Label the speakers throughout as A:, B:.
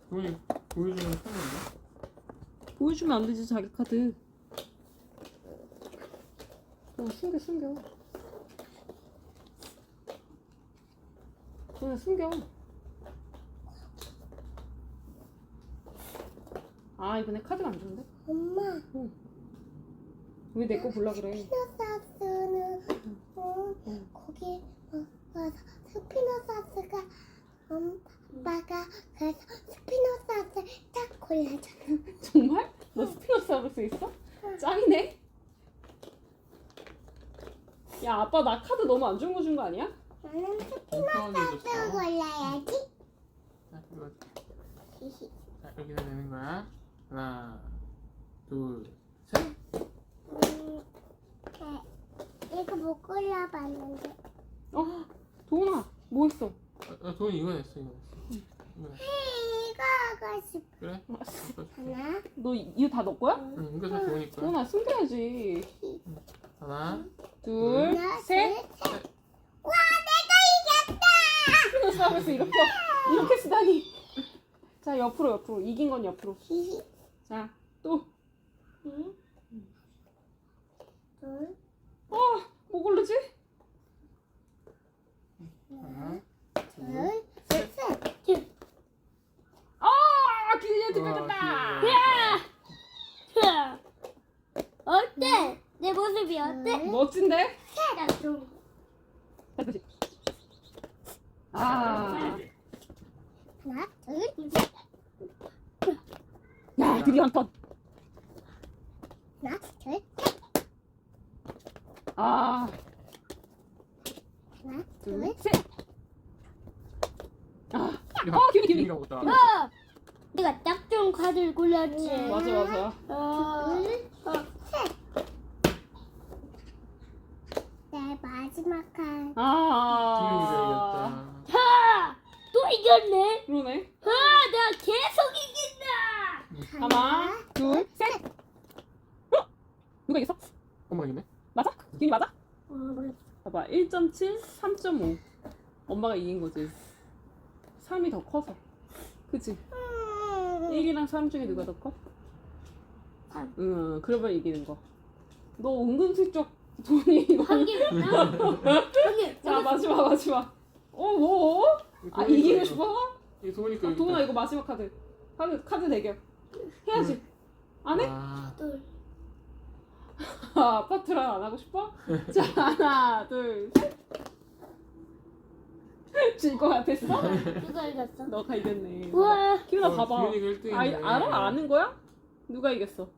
A: 도훈이 보여주면 편한데?
B: 보여주면 안 되지 자기 카드. 숨겨. 그냥 숨겨. 아 이번에 카드가 안 좋은데?
C: 엄마.
B: 왜 내 거 볼라 그래?
C: 스피노사스는 거기 와서 스피노사스가 엄마가 그래서 스피노사스 딱 골라잖아.
B: 정말? 너 스피노사우루스 있어? 짱이네. 야 아빠 나 카드 너무 안 좋은 거 준 거 아니야?
C: 나는
A: 편하게
C: 스피노사스
A: 줬어.
C: 골라야지.
A: 자, 이거. 자, 여기다 내는 거야. 하나, 둘, 셋.
C: 이거 못 골라봤는데.
B: 도훈아 뭐 했어?
A: 도훈이 이거 냈어, 이거 냈어. 이거 냈어.
C: 이거 하고 싶어.
A: 그래?
C: 하나,
B: 너 이거 다 너 거야?
A: 응, 이거 다 도훈이 거야.
B: 도훈아 숨겨야지.
A: 하나,
B: 둘,
C: 하나,
B: 셋.
C: 셋. 와, 내가 이겼다!
B: 스피노사우루스 이렇게 쓰다니. 자 옆으로 이긴 건 옆으로. 자 또.
C: 둘,
B: 뭐 고르지?
A: 하나,
C: 둘,
A: 셋.
C: 셋.
B: 기린이한테
A: 와,
B: 뺏겼다.
A: 귀여워.
C: 어때? 내 모습이 어때?
B: 멋진데?
C: 좀.
B: 아,
C: 하나, 둘,
B: 야 드디어 한 턴.
C: 하나, 둘,
B: 아,
C: 하나,
B: 둘,
C: 둘.
B: 셋. 기린이.
A: 기린이가 보다.
C: 내가 딱 좋은 카드를 골랐지.
B: 맞아.
C: 둘, 셋. 내 마지막 칸.
B: 아,
A: 기린이가
C: 또 이겼네.
B: 그러네.
C: 내가 계속 이긴다.
B: 하나, 둘, 셋. 누가 이겼어?
A: 이겼다. 엄마 이기네?
B: 맞아? 기린이 맞아?
C: 몰라.
B: 봐봐, 1.7, 3.5. 엄마가 이긴 거지. 3이 더 커서. 그치? 1이랑 3 중에 누가 더 커?
C: 3.
B: 응, 그러면 이기는 거. 너 은근슬쩍 돈이 이거.
C: 한 개구나. 한 개.
B: 자, 마지막. 뭐? 아, 이기고 싶어?
A: 이거 도훈이 거.
B: 도훈아, 이거 마지막 카드. 카드 대결. 해야지. 안 해?
A: 아,
C: 둘.
B: 아파트랑 안 하고 싶어? 자, 하나, 둘, 셋. 질 거 같았어?
C: 누가 이겼어?
B: 너가 이겼네.
C: 우와.
B: 기훈아, 봐봐.
A: 기린이가 1등이네.
B: 알아? 아는 거야? 누가 이겼어?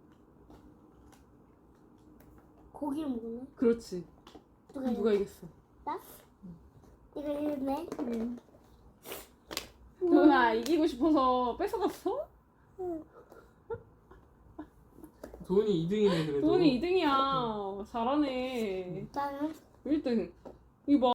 C: 고기를 먹었네.
B: 그렇지. 누가 이겼어?
C: 나? 이거 이겼네.
B: 도훈아, 이기고 싶어서 뺏어갔어?
A: 도훈이 2등이네 그래도.
B: 도훈이 2등이야. 잘하네.
C: 나는
B: 1등. 이거 봐.